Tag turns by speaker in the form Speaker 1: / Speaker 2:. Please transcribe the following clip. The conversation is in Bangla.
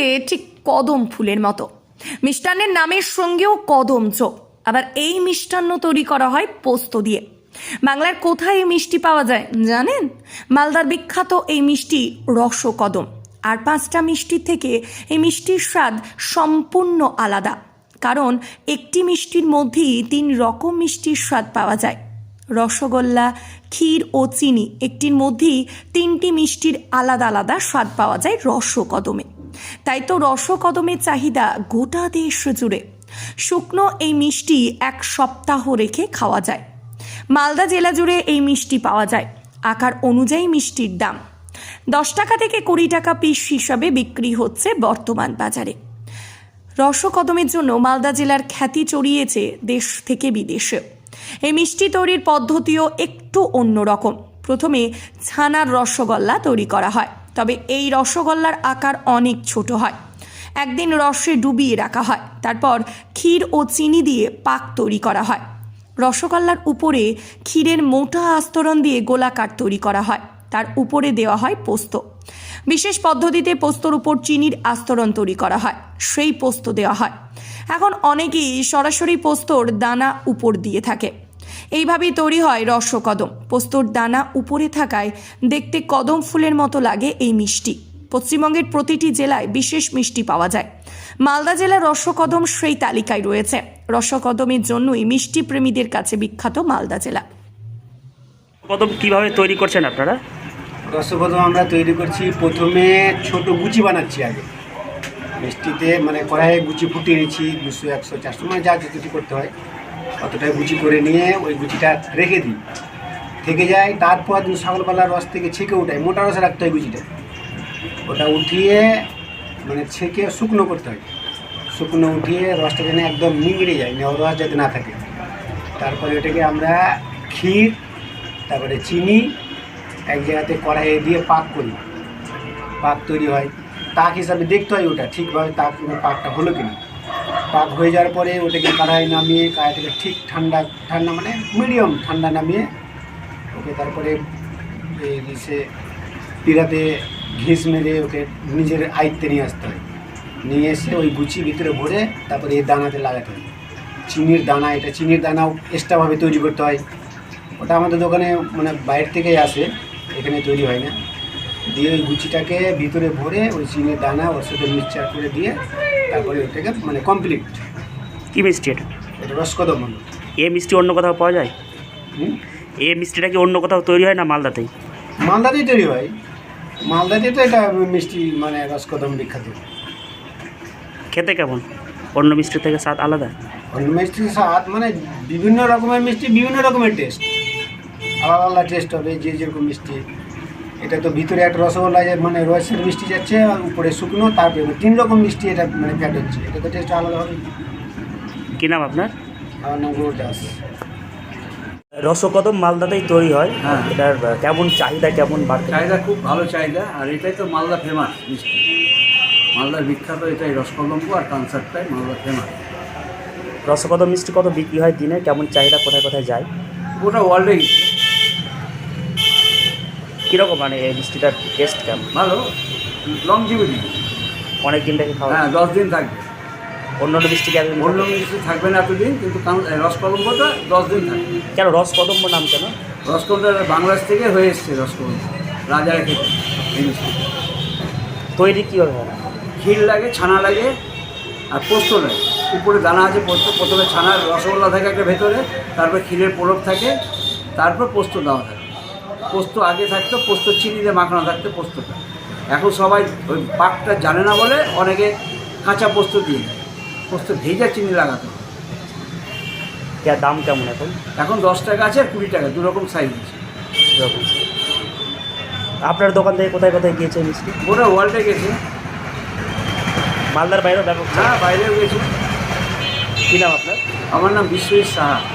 Speaker 1: ঠিক কদম ফুলের মতো। মিষ্টান্নের নামের সঙ্গেও কদম যোগ। আবার এই মিষ্টান্ন তৈরি করা হয় পোস্ত দিয়ে। বাংলার কোথায় এই মিষ্টি পাওয়া যায় জানেন? মালদার বিখ্যাত এই মিষ্টি রসকদম। আর 5টা মিষ্টির থেকে এই মিষ্টির স্বাদ সম্পূর্ণ আলাদা, কারণ একটি মিষ্টির মধ্যেই 3 রকম মিষ্টির স্বাদ পাওয়া যায়। রসগোল্লা, ক্ষীর ও চিনি একটির মধ্যেই 3টি মিষ্টির আলাদা আলাদা স্বাদ পাওয়া যায় রসকদমে। তাই তো রসকদমের চাহিদা গোটা দেশ জুড়ে। শুকনো এই মিষ্টি 1 সপ্তাহ রেখে খাওয়া যায়। মালদা জেলা জুড়ে এই মিষ্টি পাওয়া যায়। আকার অনুযায়ী মিষ্টির দাম 10 টাকা থেকে 20 টাকা পিস হিসাবে বিক্রি হচ্ছে বর্তমান বাজারে। রসকদমের জন্য মালদা জেলার খ্যাতি ছড়িয়েছে দেশ থেকে বিদেশে। এই মিষ্টি তৈরির পদ্ধতিও একটু অন্যরকম। প্রথমে ছানার রসগোল্লা তৈরি করা হয়, তবে এই রসগোল্লার আকার অনেক ছোট হয়। একদিন রসে ডুবিয়ে রাখা হয়, তারপর ক্ষীর ও চিনি দিয়ে পাক তৈরি করা হয়। রসগোল্লার উপরে ক্ষীরের মোটা আস্তরণ দিয়ে গোলাকার তৈরি করা হয়, তার উপরে দেওয়া হয় পোস্ত। বিশেষ পদ্ধতিতে পোস্তর উপর চিনির আস্তরণ তৈরি করা হয়, সেই পোস্ত দেওয়া হয়। এখন অনেকেই সরাসরি পোস্তর দানা উপর দিয়ে থাকে। এইভাবেই তৈরি হয় রসকদম। পোস্তর দানা উপরে থাকায় দেখতে কদম ফুলের মতো লাগে এই মিষ্টি। পশ্চিমবঙ্গের প্রতিটি জেলায় বিশেষ মিষ্টি পাওয়া যায়। মালদা জেলার রসকদম সেই তালিকায় রয়েছে। রসকদমের জন্যই মিষ্টি প্রেমীদের কাছে বিখ্যাত মালদা জেলা।
Speaker 2: কদম কিভাবে তৈরি করছেন আপনারা?
Speaker 3: রসকদম আমরা তৈরি করছি, প্রথমে ছোট গুচি বানাচ্ছি। আগে মিষ্টিতে মানে কড়াইয়ে গুচি ফুটিয়ে নিচ্ছি 200, 100, 400 মানে যা যেটুকু করতে হয় অতটাই গুচি করে নিয়ে ওই গুচিটা রেখে দিই, থেকে যায়। তারপর ছাগলপালার রস থেকে ছেঁকে উঠাই, মোটা রসে রাখতে হয় গুচিটা। ওটা উঠিয়ে মানে ছেঁকে শুকনো করতে হয়। শুকনো উঠিয়ে রসটা যেন একদম নিংড়ে যায়, রস যাতে না থাকে। তারপরে ওটাকে আমরা ক্ষীর, তারপরে চিনি এক জায়গাতে কড়াইয়ে দিয়ে পাক করি। পাক তৈরি হয়, তাক হিসাবে দেখতে হয় ওটা ঠিকভাবে পাকটা হলো কিনা। পাক হয়ে যাওয়ার পরে ওটাকে কড়াই নামিয়ে, কড়াই থেকে ঠিক ঠান্ডা মানে মিডিয়াম ঠান্ডা নামিয়ে ওকে তারপরে সে পিড়াতে ঘিস মেরে ওকে নিজের আয়ত্তে নিয়ে আসতে হয়। নিয়ে এসে ওই গুচি ভিতরে ভরে তারপরে এই দানাতে লাগাতে হয়। চিনির দানা, এটা চিনির দানাও এক্সট্রাভাবে তৈরি করতে হয়। ওটা আমাদের দোকানে মানে বাইরে থেকেই আসে, এখানে তৈরি হয় না। দিয়ে ওই গুচিটাকে ভিতরে ভরে ওই চিনির দানা ওর সাথে মিক্সচার করে দিয়ে তারপরে ওটাকে মানে কমপ্লিট।
Speaker 2: কি মিষ্টি এটা?
Speaker 3: এটা রসকদম হলো।
Speaker 2: এই মিষ্টি অন্য কোথাও পাওয়া যায়? এই মিষ্টিটা কি অন্য কোথাও তৈরি হয় না মালদাতেই?
Speaker 3: মালদাতেই তৈরি হয়। মালদাতে তো এটা মিষ্টি মানে রসকদম বিখ্যাত।
Speaker 2: খেতে কেমন? অন্য মিষ্টির থেকে স্বাদ আলাদা?
Speaker 3: অন্য মিষ্টির স্বাদ মানে বিভিন্ন রকমের মিষ্টি বিভিন্ন রকমের টেস্ট, আলাদা আলাদা টেস্ট হবে যে যেরকম মিষ্টি। এটা তো ভিতরে একটা রসগোল্লা মানে রসের মিষ্টি যাচ্ছে, আর উপরে শুকনো, তারপরে 3 রকম মিষ্টি এটা মানে ফ্যাট হচ্ছে। এটা তো টেস্ট আলাদা হবে।
Speaker 2: কী নাম আপনার?
Speaker 3: আমার নাম গৌর দাস।
Speaker 2: রসকদম মালদাতেই তৈরি হয়।
Speaker 4: হ্যাঁ।
Speaker 2: এটার কেমন চাহিদা, কেমন বাড়ছে?
Speaker 4: চাহিদা খুব ভালো চাহিদা, আর এটাই তো মালদা ফেমাস মিষ্টি। মালদার বিখ্যাত এটাই রসকদম্ব, আর কনসার্টটাই মালদা ফেমাস।
Speaker 2: রসকদম মিষ্টি কত বিক্রি হয় দিনে? কেমন চাহিদা, কোথায় কোথায় যায়?
Speaker 4: গোটা ওয়ার্ল্ডে গেছে।
Speaker 2: কীরকম মানে এই মিষ্টিটার টেস্ট কেমন?
Speaker 4: ভালো, লংজিভিটি।
Speaker 2: অনেক দিন থেকে খাওয়া?
Speaker 4: হ্যাঁ, 10 দিন থাকবে।
Speaker 2: অন্য মিষ্টি কি একদিন?
Speaker 4: অন্য মিষ্টি থাকবে না এতদিন, কিন্তু রসকদম্বটা 10 দিন থাকবে।
Speaker 2: কেন রসকদম্ব নাম কেন?
Speaker 4: রসকদম্বটা বাংলাদেশ থেকে হয়ে এসছে। রসকদম্ব রাজারা খেতে এই মিষ্টি।
Speaker 2: তৈরি কীভাবে হয়?
Speaker 4: ক্ষীর লাগে, ছানা লাগে, আর পোস্ত লাগে। উপরে দানা আছে পোস্ত। প্রথমে ছানার রসগোল্লা থাকে একটা ভেতরে, তারপর ক্ষীরের পোড়ক থাকে, তারপর পোস্ত দেওয়া থাকে। পোস্ত আগে থাকতো, পোস্ত চিনি দিয়ে মাখানো থাকতো পোস্তটা। এখন সবাই ওই পাকটা জানে না বলে অনেকে কাঁচা পোস্ত দিয়ে দেয়। পোস্ত ভেজা চিনি লাগাতে হয়।
Speaker 2: দাম কেমন এখন?
Speaker 4: এখন 10 টাকা আছে আর 20 টাকা, 2 রকম সাইজ আছে।
Speaker 2: এরকম। আপনার দোকান থেকে কোথায় কোথায় গিয়েছে মিষ্টি?
Speaker 4: গোটা ওয়ার্ল্ডে গেছে।
Speaker 2: মালদার বাইরেও ব্যাপক?
Speaker 4: হ্যাঁ, বাইরেও গেছে।
Speaker 2: কী নাম আপনার?
Speaker 4: আমার নাম বিশ্বজিৎ সাহা।